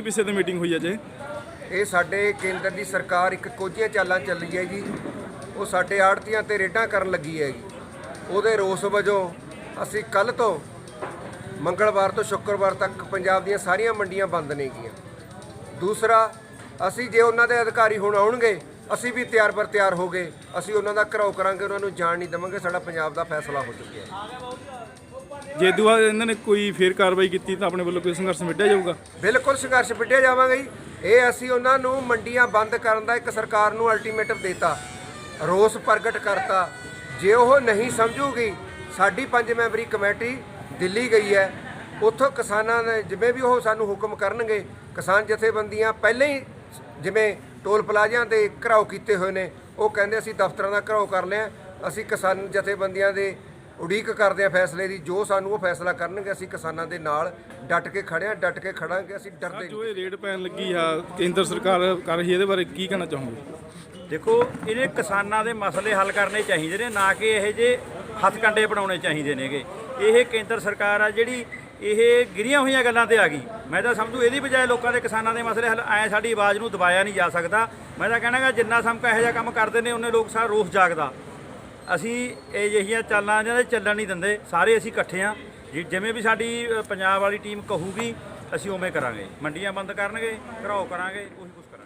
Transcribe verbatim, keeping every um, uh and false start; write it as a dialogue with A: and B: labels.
A: ਵਿਸ਼ੇ ਤੇ ਮੀਟਿੰਗ ਹੋਈ ਹੈ ਜੇ?
B: ਇਹ ਸਾਡੇ ਕੇਂਦਰ ਦੀ ਸਰਕਾਰ ਇੱਕ ਕੋਝੀਆਂ ਚਾਲਾਂ ਚੱਲੀ ਹੈ ਜੀ। ਉਹ ਸਾਡੇ ਆੜ੍ਹਤੀਆਂ ਤੇ ਰੇਡਾਂ ਕਰਨ ਲੱਗੀ ਹੈਗੀ। ਉਹਦੇ ਰੋਸ ਵਜੋਂ ਅਸੀਂ ਕੱਲ੍ਹ ਤੋਂ ਮੰਗਲਵਾਰ ਤੋਂ ਸ਼ੁੱਕਰਵਾਰ ਤੱਕ ਪੰਜਾਬ ਦੀਆਂ ਸਾਰੀਆਂ ਮੰਡੀਆਂ ਬੰਦ ਨੇਗੀਆਂ। ਦੂਸਰਾ, ਅਸੀਂ ਜੇ ਉਹਨਾਂ ਦੇ ਅਧਿਕਾਰੀ ਹੁਣ ਆਉਣਗੇ, ਅਸੀਂ ਵੀ ਤਿਆਰ ਬਰ ਤਿਆਰ ਹੋ ਗਏ। ਅਸੀਂ ਉਹਨਾਂ ਦਾ ਘਰਾਓ ਕਰਾਂਗੇ, ਉਹਨਾਂ ਨੂੰ ਜਾਣ ਨਹੀਂ ਦੇਵਾਂਗੇ। ਸਾਡਾ ਪੰਜਾਬ ਦਾ ਫੈਸਲਾ ਹੋ ਚੁੱਕਿਆ ਹੈ।
A: ਜੇ ਦੁਆ ਇਹਨਾਂ ਨੇ ਕੋਈ ਫੇਰ ਕਾਰਵਾਈ ਕੀਤੀ ਤਾਂ ਆਪਣੇ ਵੱਲੋਂ ਕੋਈ ਸੰਘਰਸ਼ ਵਿੱਢਿਆ ਜਾਊਗਾ?
B: ਬਿਲਕੁਲ ਸੰਘਰਸ਼ ਵਿੱਢਿਆ ਜਾਵਾਂਗਾ ਜੀ। ਇਹ ਅਸੀਂ ਉਹਨਾਂ ਨੂੰ ਮੰਡੀਆਂ ਬੰਦ ਕਰਨ ਦਾ ਇੱਕ ਸਰਕਾਰ ਨੂੰ ਅਲਟੀਮੇਟਮ ਦੇਤਾ, ਰੋਸ ਪ੍ਰਗਟ ਕਰਤਾ। ਜੇ ਉਹ ਨਹੀਂ ਸਮਝੂਗੀ, ਸਾਡੀ ਪੰਜ ਮੈਂਬਰੀ ਕਮੇਟੀ ਦਿੱਲੀ ਗਈ ਹੈ। ਉੱਥੋਂ ਕਿਸਾਨਾਂ ਨੇ ਜਿਵੇਂ ਵੀ ਉਹ ਸਾਨੂੰ ਹੁਕਮ ਕਰਨਗੇ, ਕਿਸਾਨ ਜਥੇਬੰਦੀਆਂ ਪਹਿਲਾਂ ਹੀ ਜਿਵੇਂ ਟੋਲ ਪਲਾਜ਼ਿਆਂ ਦੇ ਘਰਾਓ ਕੀਤੇ ਹੋਏ ਨੇ, ਉਹ ਕਹਿੰਦੇ ਅਸੀਂ ਦਫ਼ਤਰਾਂ ਦਾ ਘਰਾਓ ਕਰ ਲਿਆ। ਅਸੀਂ ਕਿਸਾਨ ਜਥੇਬੰਦੀਆਂ ਦੇ ਉਡੀਕ ਕਰਦੇ ਹਾਂ ਫੈਸਲੇ ਦੀ। ਜੋ ਸਾਨੂੰ ਉਹ ਫੈਸਲਾ ਕਰਨਗੇ, ਅਸੀਂ ਕਿਸਾਨਾਂ ਦੇ ਨਾਲ ਡਟ ਕੇ ਖੜਿਆ, ਡਟ ਕੇ ਖੜਾਂਗੇ। ਅਸੀਂ ਡਰਦੇ
A: ਜੋ ਇਹ ਰੇਡ ਪੈਣ ਲੱਗੀ ਆ ਕੇਂਦਰ ਸਰਕਾਰ ਕਰ ਰਹੀ ਹੈ, ਇਹਦੇ ਬਾਰੇ ਕੀ ਕਹਿਣਾ ਚਾਹੋਗੇ?
C: ਦੇਖੋ, ਇਹਨੇ ਕਿਸਾਨਾਂ ਦੇ ਮਸਲੇ ਹੱਲ ਕਰਨੇ ਚਾਹੀਦੇ ਨੇ, ਨਾ ਕਿ ਇਹ ਜੇ ਹੱਥਕੰਡੇ ਬਣਾਉਣੇ ਚਾਹੀਦੇ ਨੇਗੇ। ਇਹ ਕੇਂਦਰ ਸਰਕਾਰ ਆ ਜਿਹੜੀ ਇਹ ਗਿਰੀਆਂ ਹੋਈਆਂ ਗੱਲਾਂ ਤੇ ਆ ਗਈ। ਮੈਂ ਤਾਂ ਸਮਝੂ ਇਹਦੀ ਬਜਾਏ ਲੋਕਾਂ ਦੇ ਕਿਸਾਨਾਂ ਦੇ ਮਸਲੇ ਹੱਲ ਐ ਸਾਡੀ ਆਵਾਜ਼ ਨੂੰ ਦਬਾਇਆ ਨਹੀਂ ਜਾ ਸਕਦਾ। ਮੈਂ ਤਾਂ ਕਹਿਣਾਗਾ ਜਿੰਨਾ ਸਮਕਾ ਇਹੋ ਜਿਹਾ ਕੰਮ ਕਰਦੇ ਨੇ, ਉਹਨੇ ਲੋਕ ਸਾਰਾ ਰੋਸ ਜਾਗਦਾ। ਅਸੀਂ ਇਹ ਜਿਹੀਆਂ ਚਾਲਾਂ ਇਹਨਾਂ ਦੇ ਚੱਲਣ ਨਹੀਂ ਦਿੰਦੇ। ਸਾਰੇ ਅਸੀਂ ਇਕੱਠੇ ਹਾਂ। ਜਿਵੇਂ ਵੀ ਸਾਡੀ ਪੰਜਾਬ ਵਾਲੀ ਟੀਮ ਕਹੂਗੀ, ਅਸੀਂ ਉਵੇਂ ਕਰਾਂਗੇ। ਮੰਡੀਆਂ ਬੰਦ ਕਰਨਗੇ, ਘਰਾਓ ਕਰਾਂਗੇ, ਉਹੀ ਕੁਛ ਕਰਾਂਗੇ।